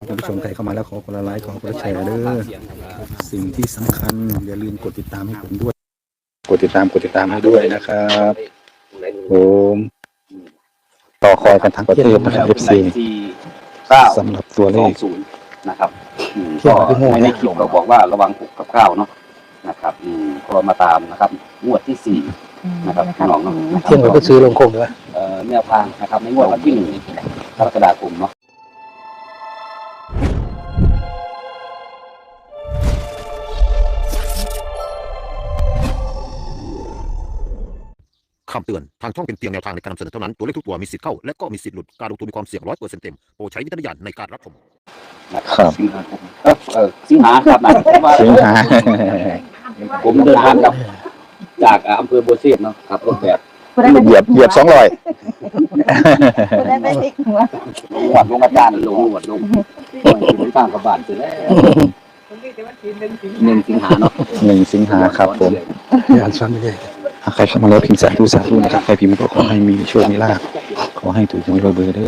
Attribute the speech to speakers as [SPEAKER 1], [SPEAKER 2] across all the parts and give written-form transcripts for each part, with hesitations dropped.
[SPEAKER 1] ท่านผู้ชมใครเข้ามาแล้วขอกดไลค์ขอกดแชร์เด้อสิ่งที่สำคัญอย่าลืมกดติดตามให้ผมด้วยกดติดตามให้ด้วยนะครับผมต่อคอยกันทั้งประเทศนะครับ FC สำหรับตัวเลข
[SPEAKER 2] นะครับก็ในคลิปเราบอกว่าระวัง6 กับ 9เนาะนะครับก็มาตามนะครับงวดที่4นะครับพี่น้องเนาะ
[SPEAKER 1] เที่ยงเราก็ซื้อลงคงด้วย
[SPEAKER 2] แนวทางนะครับในงวดวันที่1กรกฎาคมเนาะ
[SPEAKER 3] คำเตือนทางช่องเป็นเพียงแนวทางในการนำเสนอเท่านั้นตัวเลขทุกตัวมีสิทธิ์เข้าและก็มีสิทธิ์หลุดการลงทุนมีความเสี่ยง100%เต็มโปรดใช้วิจารณญาณในการรับชม
[SPEAKER 2] ครับสิงหาครับนะ
[SPEAKER 1] สิงหา
[SPEAKER 2] ผมเดินทางกับจากอำเภอบัวเสียดเนาะครับรถแบบ
[SPEAKER 1] เหยียบ200
[SPEAKER 4] ได้ไม่ติดหัว
[SPEAKER 2] หวัดลงอาจารย์ลงหวัดลงผมตั้งกับบาทเสร็จแล้ว1 สิงหาเนาะ
[SPEAKER 1] 1 สิงหาครับผมอ่านซ้ำไปเลยใครเข้ามาแล้วพิมพ์สาธุนะครับใครพิมพ์ก็ขอให้มีโชคมีลาภขอให้ถูกหวยรวยเบอร์เด้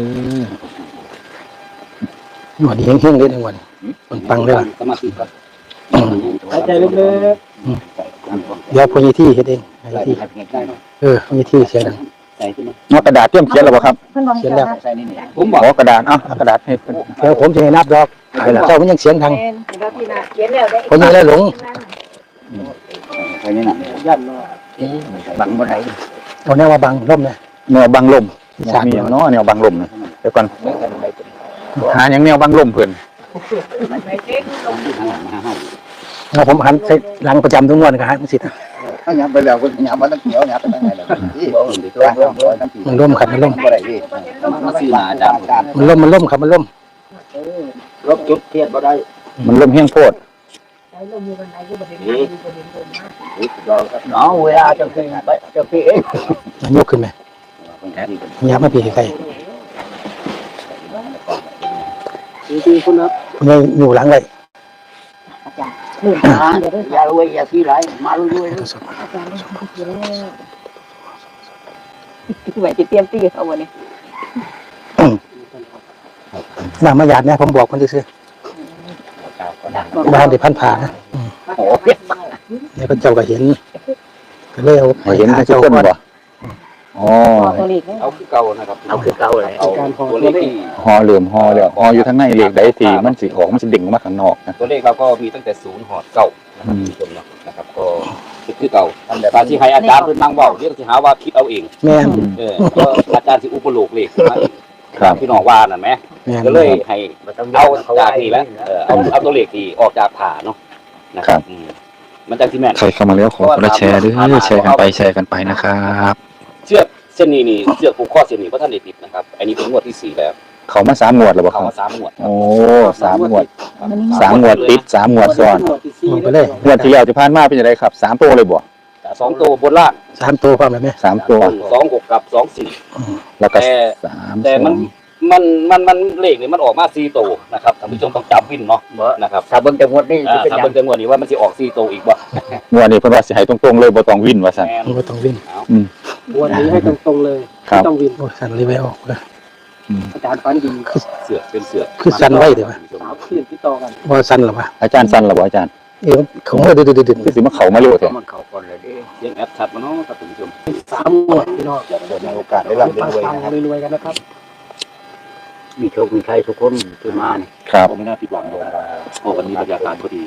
[SPEAKER 1] อวันนี้เฮงๆเลยทั้งวันปังเลยว่ะ
[SPEAKER 2] สมาธิครับ
[SPEAKER 4] หายใจลึก
[SPEAKER 1] เดี๋ยวพญาที่เฮ็ดเองพญาที่พญาที่เสียงดังเอากระดาษเตรียมเขียนแล้วบ่ครับ
[SPEAKER 4] เขียนแล้ว
[SPEAKER 2] ผมบอก
[SPEAKER 1] กระดาษกระดาษให้เดี๋ยวผมจะให้นับดอกเจ้ามันยังเสียงดังพญาแล้วหลง
[SPEAKER 2] ใครนี่น่ะยันบังบ่ได้
[SPEAKER 1] เอาแนวว่าบังลมนะแนวบังลมมีอย่างเนาะแนวบังลมนะเดี๋ยวก่อนหาอย่างแนวบังลมเพิ่นเอาผมหันใส่หลังประจำทุกวันก็หันสิ
[SPEAKER 2] ถ้าหยับไปแล้วก็หยับมาตั้งเขียวหยับไปตั้งไงล่ะ
[SPEAKER 1] มันล่มครับมันล่ม
[SPEAKER 2] บ่ได้ดิมันสิมาจาก
[SPEAKER 1] มันล่มครับมันล่ม
[SPEAKER 2] ลบจุดเทียบบ่ได้
[SPEAKER 1] มันล่มเฮี้ยงโพด
[SPEAKER 2] เนาะเวลาจะขึ้นไปจะพี่เอง
[SPEAKER 1] มันยกขึ้นไหมยับมาพี่ใคร
[SPEAKER 2] คุณครับ
[SPEAKER 1] คุณยายอยู่หลังเลย
[SPEAKER 2] อย่ารวยอย่าที่ไรมารวย
[SPEAKER 4] ไหวจะเตรียมตีเขาวันนี้
[SPEAKER 1] นางมาหยาดเนี่ยผมบอกคนซื้อบ้านเดี๋ยวพันผ่านะเนี่ยก็เจ้าก็เห็นก็เลยเอาเห็นเจ้าคนบ่อ๋อ
[SPEAKER 2] เอาคือเก่านะครับเอาคือเก่าเลยเอาตัวเลขที่
[SPEAKER 1] ฮอเหลื่อมฮอเลยฮออยู่ทั้งในเลขใดทีมันสิของมันสิดิ่งออกมาข้างนอกนะ
[SPEAKER 2] ตัวเลขเราก็มีตั้งแต่0หอด9นะครับก็คือเก่าแต่บางที่ให้อาจารย์เพิ่นนั่งเว้าเรื่องสิหาว่าคิดเอาเอง
[SPEAKER 1] แม่น
[SPEAKER 2] ก็อาจารย์สิอุปโลกเลข
[SPEAKER 1] ครับ
[SPEAKER 2] พี่น้องว่านั่นแหมก็เลยให้เอาจากนี่แหละเอาตัวเลขที่ออกจากผ่าเนาะนะครับมันจังสิแม่น
[SPEAKER 1] ใครเข้ามาแล้วขอแชร์ด้วยแชร์กันไปนะครับ
[SPEAKER 2] เชือกเส้นนี้เชือกผูกข้อเส้นนี้เพราะท่านได้ติดนะครับอันนี้เป็นงวดที่4แล้ว
[SPEAKER 1] เขามา3 งวดแล้วบ่ครับ
[SPEAKER 2] เขามา3 งวด
[SPEAKER 1] โอ้3 งวด3 งวดติด3 งวดซ้อนไปเลยงวดที่แล้วที่ผ่านมาเป็นจังได๋ครับ3 ตัวเลยบ่
[SPEAKER 2] 2 ตัวบนล่าง
[SPEAKER 1] 3 ตัวพร้อมแล้วแม่3 ตัว
[SPEAKER 2] 2 6กับ2 4
[SPEAKER 1] แล้วก็3
[SPEAKER 2] แต่มันเลขนี่มันออกมา4 ตัวนะครับท่านผู้ชมต้องจับวินเนาะนะครับ
[SPEAKER 4] ถ้าเบิ่งจังหวัดนี้
[SPEAKER 2] ถ้าเบิ่งจังหวัดนี้ว่ามันสิออก4 ตัวอีกบ่
[SPEAKER 1] งวดนี้เพิ่นว่าสิให้ตรงๆเลยบ่ต้องวินว่าซั่นบ่ต้องวิน
[SPEAKER 4] วันนี้ให้ตรงๆเลย
[SPEAKER 1] ไม่ต้องวินโอ้สั่นเลยไม่ออกเลย
[SPEAKER 4] อาจารย์ฟันดี
[SPEAKER 2] เสือเป็นเสือ
[SPEAKER 1] คือสั่นไว้เดี๋ยว
[SPEAKER 4] ขึ้นที่ต่อกัน
[SPEAKER 1] ว่าสั่นหรอวะอาจารย์สั่นหรอวะอาจารย์เขามาดื้อคือสิมาเขามาเร็วแท้
[SPEAKER 2] มันเขาก่อนเลยดิยังแอปชัดมาเนาะครับท่านผู้ชม
[SPEAKER 4] 3 งวดพี่น้อง
[SPEAKER 2] ในโอกาสได้รับรวยนะครับ
[SPEAKER 4] รวยกันนะครับ
[SPEAKER 2] มีโชคมีชัยทุกคนที่มาเนี่ย
[SPEAKER 1] ครับ
[SPEAKER 2] ไม่น่าผิดหวังเลยวันนี้บรรยากาศพอดี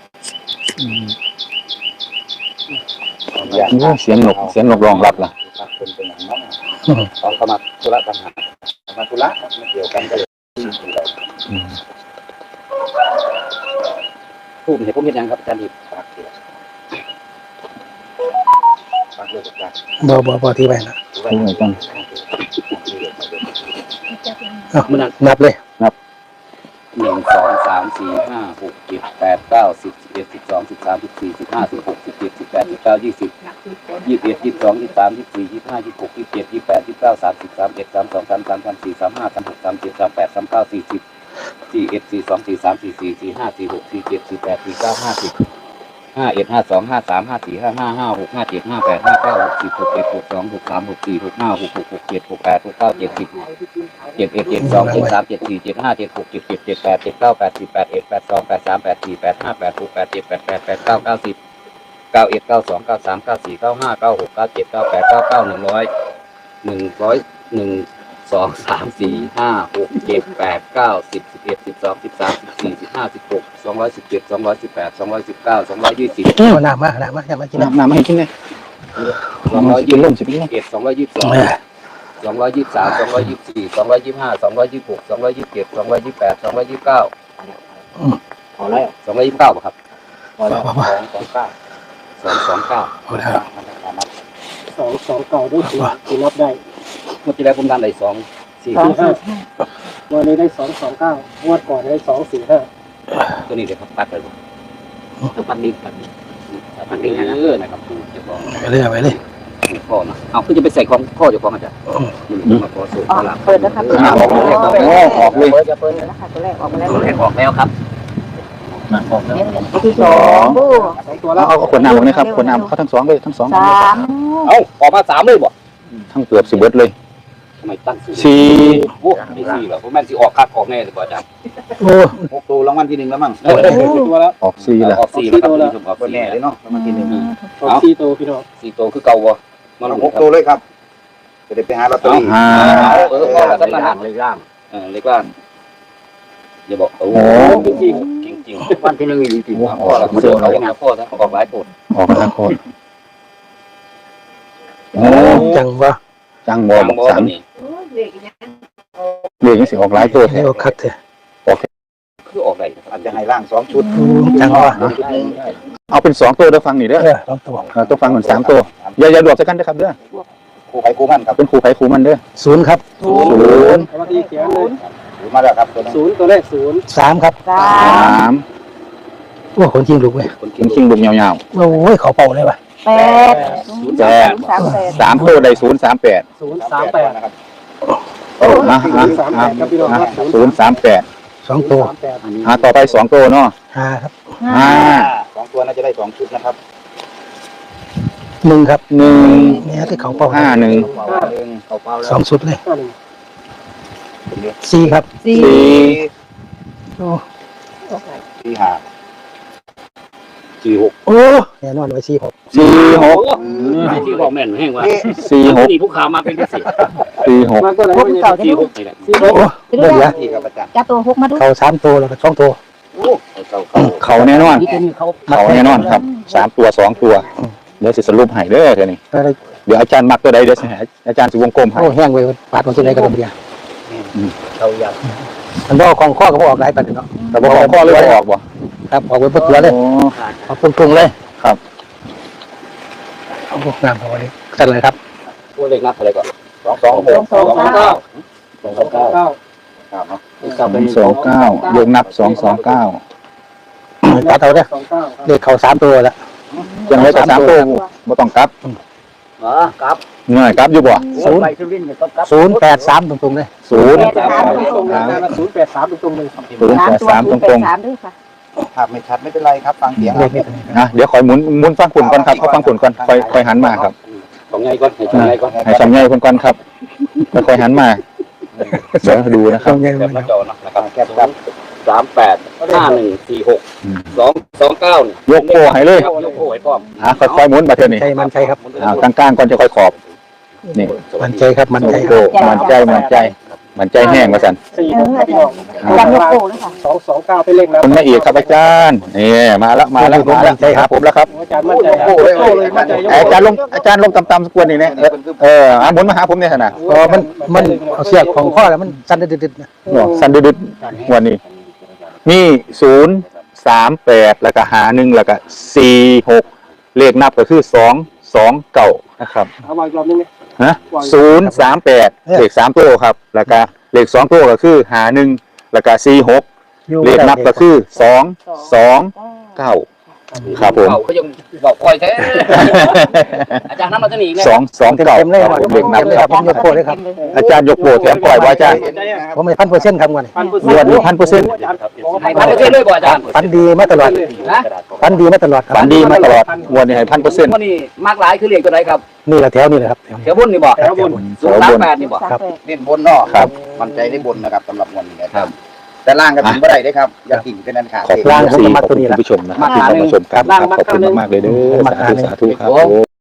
[SPEAKER 1] เสียงนกร้องรับล่ะ
[SPEAKER 2] เป็นอย่างนั้นตอนเข้ามาธุระปัญหามาธุระไม่เกี่ยวกันเลยพูดเห็นผมเห็นยังครับอาจารย์ดิบปากเกี่ยวปากเลยจัด
[SPEAKER 1] บ่ที่ไปนะไม่ต้องนับเลยนับ
[SPEAKER 2] 1 2 3 4 5 6 7 8 9 10 11 12 13 14 15 16 17 18 19 20 21 22 23 24 25 26 27 28 29 30 31 32 33 34 35 36 37 38 39 40 41 42 43 44 45 46 47 48 49 50 51 52 53 54 55 56 57 58 59 60 61 62 63 64 65 66 67 68 69 70 71 72 73 74 75 76 77 78 79 80 81 82 83 84 85 86 87 88 89 90 91 92 93 94 95 96 97 98 99 100 101 2 3 4 5 6 7 8 9 10 11 12 13 14 15 16 217 218 219 220
[SPEAKER 4] หนามาอย่ามากิน
[SPEAKER 1] น้ำให้กินเลย
[SPEAKER 2] 221
[SPEAKER 1] ล่มสิพี่น้อง
[SPEAKER 2] 222 223 224 225 226 227 228 229
[SPEAKER 4] พอแล้ว
[SPEAKER 2] 229ป่ะครับ
[SPEAKER 4] พอแล้ว
[SPEAKER 2] 229
[SPEAKER 1] เอาแล้ว
[SPEAKER 4] 2 เก่าด้วยกินนับได้
[SPEAKER 2] เมื่อที่แล้วผมดันได้2 4
[SPEAKER 4] 5วันนี้ได้2 9งวดก่อนได้2 4 5
[SPEAKER 2] ตัวนี้เดี๋ยวครับปัดไปปัดดิปัดดินะครับดูเจ้าของ
[SPEAKER 1] ไปเลยไปเลย
[SPEAKER 2] พ่อนะเอาคือจะไปใส่ของพ่อเจ้าของอาจารย์มาขอสูตรตลาด
[SPEAKER 5] เปิดนะครับ
[SPEAKER 1] ออกเลยออกเลย
[SPEAKER 5] จะเปิดนะคะตัวแรกออกมาแล้ว
[SPEAKER 2] ตัวแรกออกแล้วครับ
[SPEAKER 5] ตัวที่สองบู
[SPEAKER 4] 2 ตัวแล้ว
[SPEAKER 1] เอาขวดน้ำออกนะครับขวดน้ำเขาทั้งสองเลยทั้งสอง
[SPEAKER 5] สาม
[SPEAKER 2] เอาออกมา3เลยบ่
[SPEAKER 1] ทั้งเกือบสิบเบิดเลย
[SPEAKER 2] ทำไมตั้งสูตร
[SPEAKER 1] สี่
[SPEAKER 2] โอ้ไม่4หรอกผมแม่นสิออกคักออกแน่เลยบ่อาจารย์
[SPEAKER 1] โอ้
[SPEAKER 2] 6ตัวรางวัลที่1แล้วมั้ง
[SPEAKER 4] ตัวแล้ว
[SPEAKER 1] ออกสี่ละ
[SPEAKER 2] ออก4แล้วครับท่านผู้ชมออก4แน่เลยเนาะรางวัลที่1
[SPEAKER 4] 4 ตัวพี่น้อง
[SPEAKER 2] 4ตัวคือเก่าบ่มาลง6ตัวเลยครับจะได้ไปหาลอตเตอรี่
[SPEAKER 1] ห้า
[SPEAKER 2] พ่อแล้วสำนักเลขล่างเลขล่างอย่าบอกโอ้จริงจริงวันที่1อีกจริงพ่อแล้วมาดูเอาพ่อซะออกหลายตัว
[SPEAKER 1] ออกทั้งโคตรโอ้
[SPEAKER 4] จังวะ
[SPEAKER 1] จังบอลสาม
[SPEAKER 2] นี่
[SPEAKER 1] เรียกยังสิออกหลายตัว
[SPEAKER 4] ให้ออกคัดเถอะ
[SPEAKER 2] คือออกได้
[SPEAKER 6] อาจจะให้ร่าง2 ชุด
[SPEAKER 4] จังวะ
[SPEAKER 1] เอาเป็น2ตัวเด้อฟังนี่เด้อ
[SPEAKER 4] 2 ตัว
[SPEAKER 1] ต้องฟังเหมือน3ตัวอย่าดวกสักกันนะครับเด้อ
[SPEAKER 6] ครูไผ่ครูมั่นครับ
[SPEAKER 1] เป็นครูไผ่ครูมันเด้อ
[SPEAKER 4] 0ครับ
[SPEAKER 1] ศูนย์
[SPEAKER 4] วันที่เขียนเลย
[SPEAKER 6] ถือมาแล้วครับตัวนั้น
[SPEAKER 4] 0ตัวแรก0 3ครับ
[SPEAKER 5] สา
[SPEAKER 1] สาม
[SPEAKER 4] โอ้คนจริงลูกเว้ย
[SPEAKER 2] คน
[SPEAKER 1] กินชิงบุกยาว
[SPEAKER 4] โอ้ยเขาเป่าเลยว่ะ
[SPEAKER 5] แปด
[SPEAKER 1] ๆแปด
[SPEAKER 5] 38
[SPEAKER 1] 3ตัวได้038
[SPEAKER 6] 038นะครับ
[SPEAKER 4] 038ครับพี่น้องครับ
[SPEAKER 1] 038
[SPEAKER 4] 2 ตัว
[SPEAKER 1] ต่อไป2ตัวเนาะ
[SPEAKER 4] 5ครับ
[SPEAKER 1] 5
[SPEAKER 6] 2 ตัวน่าจะได้2 ชุดนะครับ
[SPEAKER 4] 1ครับ
[SPEAKER 1] 1
[SPEAKER 4] เนี่ยที่เขาเป่า
[SPEAKER 1] 5 1
[SPEAKER 6] เขาเป้าแล้ว
[SPEAKER 4] 2 ชุดเลย4ครับ
[SPEAKER 5] สี่
[SPEAKER 1] 4
[SPEAKER 4] โอ้
[SPEAKER 6] ที่หา
[SPEAKER 4] โอ้แน่นอนไว้4 6
[SPEAKER 1] 4 6
[SPEAKER 2] ที่บอกแม่นแห้งว่า
[SPEAKER 1] 4 6
[SPEAKER 2] นี่ผู้ข่าวมาเป็นพิเศษ
[SPEAKER 1] 4 6
[SPEAKER 4] มาก็เลย
[SPEAKER 5] พวกเก่าจะ
[SPEAKER 2] ที่
[SPEAKER 5] ดู
[SPEAKER 2] 6นี่แหละ
[SPEAKER 4] 4 6
[SPEAKER 5] ไปดู
[SPEAKER 4] เบิ่ง
[SPEAKER 5] แล้
[SPEAKER 4] ละ
[SPEAKER 6] ที่ครับอาจารย์
[SPEAKER 5] จับตัวหกมาดู
[SPEAKER 4] เขา3ตัวแล้วก็2ตัว
[SPEAKER 2] โอ้เก่า
[SPEAKER 1] เขาแน่นอน
[SPEAKER 2] นี่ตัวนี้เขา
[SPEAKER 1] เขาแน่นอนครับ3ตัว2ตัวเดี๋ยวสิสรุปให้เด้อเดี๋ยวนี้เดี๋ยวอาจารย์มักตัวใดเดี๋ยวสิให้อาจารย์สิวงกลมให้
[SPEAKER 4] โอ้แห้งเว้ยปาดมันตัวไหนก็ต้องเบียร์
[SPEAKER 2] เขาอยาก
[SPEAKER 4] มันบ่ของข้อก็บ่ออกหลายปานเนาะ
[SPEAKER 1] แต่บ่ของพ่อเลยบ่ออกบ่
[SPEAKER 4] ครับออกไว้เพื่อตัวเลย
[SPEAKER 1] โอ้
[SPEAKER 4] ออกปรุงๆเลย
[SPEAKER 1] ครับ
[SPEAKER 4] โอ้งามพอดีกันเลยครับ
[SPEAKER 2] ตัวเลขนับอะไรก่อน
[SPEAKER 6] 226
[SPEAKER 5] 229
[SPEAKER 6] ครับเนาะ
[SPEAKER 1] 229ยกนับ229
[SPEAKER 4] ตัดเอาเด้อเลขเขา3ตัวแล้ว
[SPEAKER 1] ยังไว้กับ3ตัวบ่ต้องกลับ
[SPEAKER 2] อ๋อครับ
[SPEAKER 1] เงื่อยกลับอยู่บ่
[SPEAKER 2] ไปสุรินทร์ก็ครับ
[SPEAKER 4] 083ตรงๆเลย
[SPEAKER 1] 0
[SPEAKER 4] 083ตรงๆเลย
[SPEAKER 5] 3ตัว083ด้วยค่ะ
[SPEAKER 6] ภาพไม่ชัดไม่เป็นไรครับ ฟังเสียง
[SPEAKER 4] เลขนี้
[SPEAKER 1] นะเดี๋ยวคอยหมุนฟังผลก่อนครับเอาฟังผลก่อนค่อยหันมาครับ
[SPEAKER 2] ของไงก่อนให้ของไงก่อน
[SPEAKER 1] ให้สำเนียงคนก่อนครับค่อยหันมาเดี๋ยวดูนะครับ
[SPEAKER 2] แบบหน้าจอนะครับแคปครับ385146 229
[SPEAKER 1] ยกโป้ให้เลย
[SPEAKER 2] ยกโป้ให้พร้อม
[SPEAKER 1] ค่อยๆหมุนมาเท่านี้
[SPEAKER 4] ใจมันใจครับ
[SPEAKER 1] กลางๆก่อนจะค่อยขอบนี่
[SPEAKER 4] มันใจครับมันใจ
[SPEAKER 1] โป้มันใจแห้งว่าซั่น
[SPEAKER 5] จับยกโป้เลยค่ะ
[SPEAKER 4] 229เป็นเลขนะ
[SPEAKER 1] คุณแม่เอกครับอาจารย์นี่มาแล้วครับผมแล้วครับ
[SPEAKER 4] อาจารย์มั่นใจ
[SPEAKER 6] โอ้เลยมั่นใจ
[SPEAKER 1] อาจารย์ลงต่ำๆสักวนนี่เนี่ยหมุนมาหาผมเนี่ยนะ
[SPEAKER 4] พอมันเอาเสียบของข้อแล้วมันสั่นดึดๆนะ
[SPEAKER 1] สันดึดๆวันนี้มี038แล้วก็51แล้วก็46เลขนับก็คือ229นะครับ
[SPEAKER 4] เอาไว้อีกรอบนึงนี่
[SPEAKER 1] ฮะ038เลข3ตัวครับแล้วก็เลข2ตัวก็คือ51แล้วก็46เลขนับก็คือ229 ครับผม
[SPEAKER 2] เขายังบอกคอยแท้ อาจารย์น้ำมันจะหนีไง
[SPEAKER 1] สองเก่า
[SPEAKER 4] เต็มเลย
[SPEAKER 1] ครับผมเด็กนับ
[SPEAKER 4] เลยครับผมยกโปรเลยครับ
[SPEAKER 1] อาจารย์ยกโบแถมปล่อยว่าอาจารย์
[SPEAKER 4] ผมไม่1,000%ครับวันนี้
[SPEAKER 1] วันนี้1,000%
[SPEAKER 2] ให้พันเปอร์เซ็นต์ด้วยบ่อาจารย์
[SPEAKER 4] ฟันดีมาตลอด
[SPEAKER 2] นะ
[SPEAKER 4] ฟันดีมาตลอดครับ
[SPEAKER 1] ฝันดีมาตลอดวันนี้ให้1,000%
[SPEAKER 2] วันนี้มากหลายคือเลขตัวไหนครับ
[SPEAKER 4] นี่แหละแถวนี่แหละครับแถวนี้
[SPEAKER 2] แถวบนนี่บ่
[SPEAKER 4] แถวบน
[SPEAKER 2] 038นี่บ่
[SPEAKER 5] ครับ
[SPEAKER 6] เล่นบนเนาะ
[SPEAKER 1] ครับ
[SPEAKER 6] มั่นใจได้บนนะครับสำหรับวันนี้นะค
[SPEAKER 2] ครั
[SPEAKER 6] รับ บ แต่ล่างก็ถึงบ่ได้ได้ครับ อย่าถิ่งเป็นอันขาด
[SPEAKER 1] ขอบคุณ
[SPEAKER 4] ล่างผมก็
[SPEAKER 1] ข
[SPEAKER 4] มา
[SPEAKER 1] อบ
[SPEAKER 4] ตัว
[SPEAKER 1] คุณ
[SPEAKER 4] นี้แหละ
[SPEAKER 1] ผู้ชมนะครับที่เข้ามาชมครับขอบคุณมากๆเลยเด้อสาธุสาธุครับ